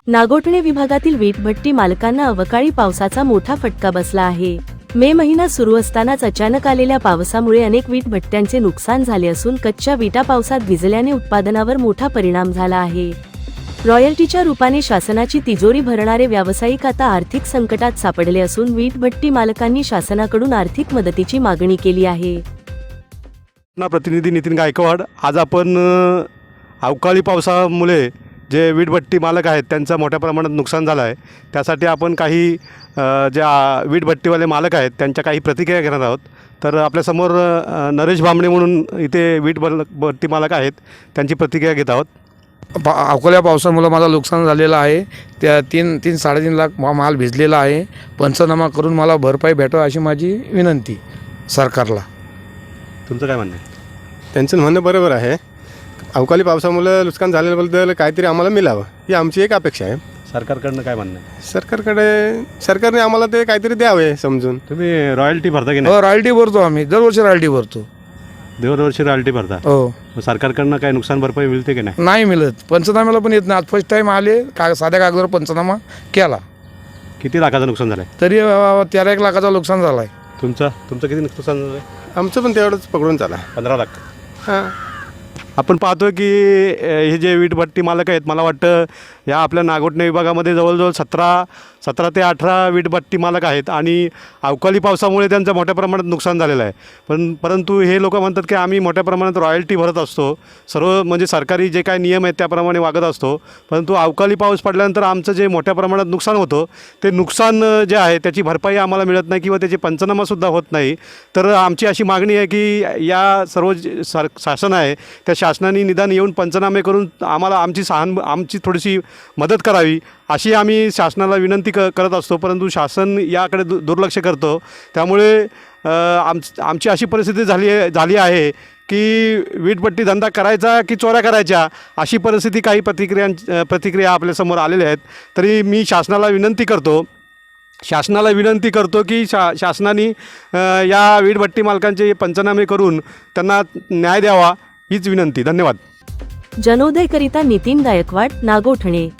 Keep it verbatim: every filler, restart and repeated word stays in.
नागोठणे विभागातील वीटभट्टी मालकांना अवकाळी पावसाचा मोठा फटका बसला आहे। मे महिना सुरू असतानाच अचानक आलेल्या पावसामुळे अनेक वीटभट्ट्यांचे नुकसान झाले असून कच्च्या विटा पावसात भिजल्याने उत्पादनावर मोठा परिणाम झाला आहे। रॉयल्टीच्या रूपाने शासनाची तिजोरी भरणारे व्यावसायिक आता आर्थिक संकटात सापडले असून वीटभट्टी मालकांनी शासनाकडून आर्थिक मदतीची मागणी केली आहे। ना प्रतिनिधी नितीन गायकवाड, आज आपण अ, अवकाळी पावसामुळे जे वीटभट्टी मालक आहेत त्यांचं मोठ्या प्रमाणात नुकसान झालं आहे, त्यासाठी आपण काही अ, ज्या वीटभट्टीवाले मालक आहेत त्यांच्या काही प्रतिक्रिया घेणार आहोत। तर आपल्यासमोर अ, नरेश भांबळे म्हणून इथे वीट बल भट्टी मालक आहेत, त्यांची प्रतिक्रिया घेत आहोत। पा अवकाळी पावसामुळे माझं नुकसान झालेलं आहे। त्या तीन तीन साडेतीन लाख मा माल भिजलेला आहे। पंचनामा करून मला भरपाई भेटावी अशी माझी विनंती सरकारला। तुमचं काय म्हणणं आहे? त्यांचं म्हणणं बरोबर आहे। अवकाळी पावसामुळे नुकसान झाल्याबद्दल काहीतरी आम्हाला मिळावं ही आमची एक अपेक्षा आहे। सरकारकडनं काय म्हणणं आहे? सरकारकडे सरकारने आम्हाला ते काहीतरी द्यावे समजून। तुम्ही रॉयल्टी भरता की नाही? हो, रॉयल्टी भरतो आम्ही, दरवर्षी रॉयल्टी भरतो। दरवर्षी रॉयल्टी भरता? हो। मग सरकारकडनं काय नुकसान भरपाई मिळते की नाही? नाही मिळत, पंचनाम्याला पण येत नाही। आज फर्स्ट टाईम आले, का साध्या कागदावर पंचनामा केला। किती लाखाचं नुकसान झालं आहे? तरी अ, तेरा एक लाखाचं नुकसान झालं आहे। तुमचं तुमचं किती नुकसान झालं आहे? आमचं पण तेवढंच पकडून चाला। पंधरा लाख। हां, आपण पाहतो की अ, हे जे वीटभट्टी मालक आहेत, मला वाटतं या आपल्या नागोठणे विभागामध्ये जवळजवळ सतरा सतरा ते अठरा वीटभट्टी मालक आहेत आणि अवकाळी पावसामुळे त्यांचं मोठ्या प्रमाणात नुकसान झालेलं आहे। पण परंतु हे लोक म्हणतात की आम्ही मोठ्या प्रमाणात रॉयल्टी भरत असतो, सर्व म्हणजे सरकारी जे काय नियम आहेत त्याप्रमाणे वागत असतो, परंतु अवकाळी पाऊस पडल्यानंतर आमचं जे मोठ्या प्रमाणात नुकसान होतं ते नुकसान अ, जे आहे त्याची भरपाई आम्हाला मिळत नाही किंवा त्याचे पंचनामासुद्धा होत नाही। तर आमची अशी मागणी आहे की या सर्व जे सर शासन आहे त्या शासनाने निदान येऊन पंचनामे करून आम्हाला आमची सहान आमची थोडीशी मदत करावी अशी आम्ही शासनाला विनंती क करत असतो, परंतु शासन याकडे दु दुर्लक्ष करतो। त्यामुळे आम आमची अशी परिस्थिती झाली झाली आहे की वीटभट्टी धंदा करायचा की चोऱ्या करायच्या अशी परिस्थिती काही प्रतिक्रियां प्रतिक्रिया आपल्यासमोर आलेल्या आहेत। तरी मी शासनाला विनंती करतो शासनाला विनंती करतो की शा शासनाने या वीटभट्टी मालकांचे पंचनामे करून त्यांना न्याय द्यावा हीच विनंती। धन्यवाद। जनोदयकरिता नितीन गायकवाड, नागोठणे।